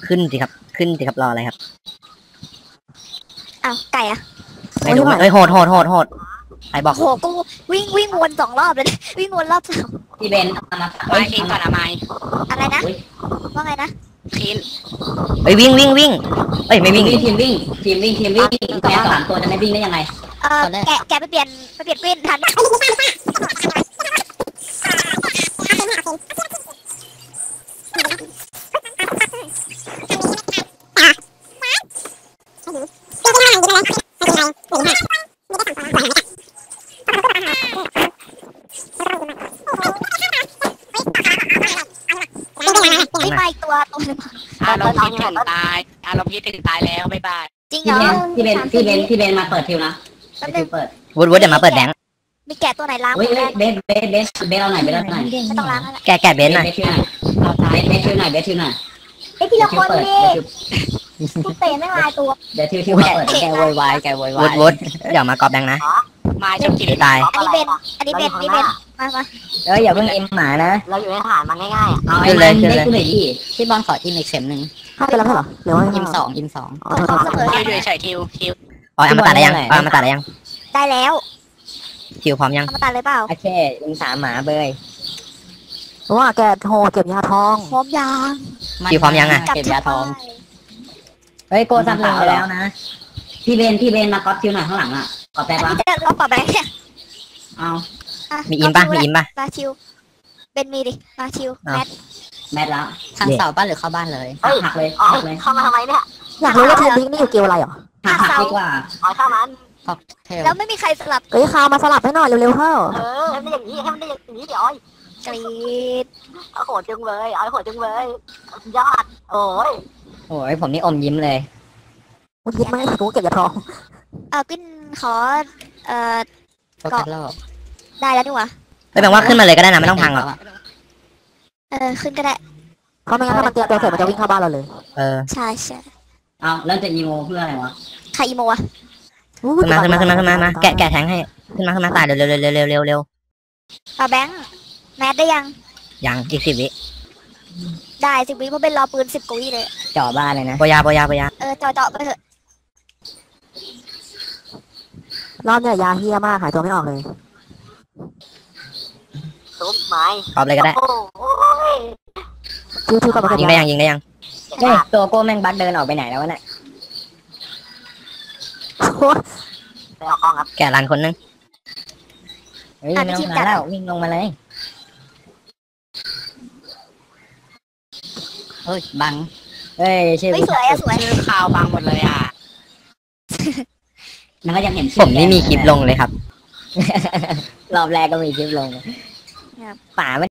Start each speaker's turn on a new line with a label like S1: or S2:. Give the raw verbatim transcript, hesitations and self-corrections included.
S1: ขึ้นสิครับขึ้นสิครับรออะไรครับ
S2: อ้าวไก่อะ
S1: ไม่รู้เอ้ยโหดโหดโหดโหดใครบอก
S2: โหกูวิ่งวิ่งวนสองรอบเลย วิ่งวนรอบสาม
S3: พี่เบนเอามา
S4: ไม้คลีนก่อนอะไม้
S2: อะไรนะว่าไงนะ
S4: คลีน
S1: เอ้ยวิ่งวิ่งวิ่งเอ้ยไม่
S3: วิ่
S1: วิ่
S3: ง
S1: ง
S3: วิ่งทีมวิ่งทีมวิ่งทีมวิ่งแกสามตัวจะไม่วิ่งได้ยังไง
S2: เออแกแกไปเปลี่ยนไปเปลี่ยนกวินทันไม่มาอีกตัวตัวนึง
S4: อารมณ์พิษถึงตายอารมณ์พิษถึงตายแล้วบ๊ายบาย
S2: จริงเหร
S3: พี่
S2: อ
S3: เบนพี่เบนพี่เบนพี่เบนมาเปิดทิวนะ
S2: แป๊บนึ
S3: ทิ
S2: ง
S3: วเปิด
S1: วุฒิวุฒิเดี๋ยวมาเปิดแบงค์
S2: มีแกะตัวไหนล้าง
S3: เฮ้ยเฮ้ยเบนเบนเบนเบนเอาหน่อยเบนเอาหน่อย
S2: ไม่ต้องล้างแล้ว
S1: แกแกเบนซ์หน่อย
S3: เบนทิวหน่อยเบนเบนทิวหน่อยเบนทิวหน่อย
S2: ไอ้ทีละคน
S3: เปิด
S2: ดิกูเตะไม่ลายตัว
S3: เดี๋ยวทิวทิวเปิด
S5: แกโวยวายแกโวยวา
S1: วุ
S5: ย
S1: ฒิวุฒิเดี๋ยวมากรอบแบงค์นะ
S4: ไม้ชอบกิน
S1: เดี๋ยวตาย
S2: อันนี้เบนอันนี้เบนนี่เบนมามา
S5: เอ้ยอย่าเพิ่งอิมหมานะ
S4: เราอยู่ในฐานมันง่ายๆอ่ะ
S3: เอาไอ้มันได้กูหน่อยดิ
S5: พี่บอลขออิมอีกเข็มหนึ่ง
S6: ห้าไปแล้วเหรอหรือว่า
S5: อิมสองอิมสอง
S2: เสมอ
S4: ทิวอยู่เฉยทิวทิว
S1: อ๋อเอามาตัดได้ยังเอามาตัดได้ยัง
S2: ได้แล้ว
S1: คิวพร้อมยัง
S2: เอามาตัดเลยเปล่า
S5: โอเคอิมสามหมาเบย
S6: เพราะว่าแกโหเก็บยาทอง
S2: พร้อมยาง
S1: คิวพร้อมยังอ่ะ
S2: กลับ
S5: เก็บ
S2: ชั
S5: ยา
S2: ด
S5: ทอง
S2: ไป
S5: เฮ้ยโกซับหนึ่งไปแล้วนะ
S3: พี่เบนพี่เบนมาก๊อปทิวหน่อยข้างหลังอ่ะก๊อปได้
S2: อัน
S3: ปะ
S2: นี้จะรอบต่อไปเนี่ย
S3: เอา
S2: อ่ะ
S1: มีอิมปะมีอิมปะ
S2: มาชิวเบนมีดิมาชิว
S1: อ้าว
S2: แมท
S3: แมทแล้ว
S5: ทางเสาบ้านหรือเข้าบ้านเลย
S3: หักหักเลยหักเลย
S4: เข้ามาทำไมเนี่ย
S6: อยากรู้ว่าทีมบิ๊กนี่อยู่เกลอะไรเหรอ
S3: หักหักดีกว่า
S4: อ๋อเข้ามัน
S5: ค็อกเทล
S2: แล้วไม่มีใครสลับ
S6: เอ้ยคาวมาสลับให้หน่อยเร็วๆเถอะ
S4: เออให้มันได้อย่างนี้ให้มันได้อย่างนี้เดี๋ยวอ้อย
S2: กรีด
S4: เอาโหดจังเลยเอาโหดจังเลยยอดโอ้ย
S5: โอ้ยผมนี่อมยิ้มเลย
S6: มึงคิดไหมรู้เก็บยาทอง
S2: เออกินขอเอ่อ
S5: โฟกัสโลก
S2: ได้แล้วนี่หว่า
S1: ไม่แปลว่าขึ้นมาเลยก็ได้นะไม่ต้องพังหรอก
S2: เออขึ้นก็ได้
S6: เพราะไม่งั้นถ้ามันเตรียมตัวเสร็จมันจะวิ่งเข้าบ้านเราเลย
S1: เออ
S2: ใช่ใช่
S3: เอาแล้วจะอีโมเพื่ออะไรวะ
S2: ใครอีโมอะ
S1: ขึ้นมาขึ้นมาขึ้นมาขึ้นมามาแกะแกะแทงให้ขึ้นมาขึ้นมาตายเร็วเร็วเร็วเร็วเร็วเร็วเร็ว
S2: ปาแบงค์แมทได้ยัง
S1: ยังอีกสิบวิ
S2: ได้สิบวิเพราะเป็นรอปืนสิบกว่าวิเลย
S5: จ่อบ้านเลยนะ
S1: ปยาปยาปยา
S2: เออเจาะเจาะไปเถอะ
S6: รอบเนี่ยยาเฮียมากหายตัวไม่ออกเลย
S4: ซุปไม้
S1: กรอบเลยก็ได้
S4: โอ้ย
S6: ชิวๆกับมันก็
S1: ยิงได้ยังยิงได้ยัง
S5: เฮ้ยตัวโก้แม่งบักเดินออกไปไหนแล้ววะเนี่ย
S4: ไปออกห้องครับ
S1: แกะรันคนนึง
S5: เฮ้ยไม่ต้องมาแล้ววิ่งลงมาเลยเฮ้ยบังเฮ้ยชื่อ
S2: เฮ้ยสวยอะสวย
S4: ชื่อข่าวบางหมดเลยอ่ะ
S3: มันก็ยังเห็น
S1: ผมนี่มีคลิปลงเลยครับ
S5: รอบแรกก็มีคลิปลงป่าไม่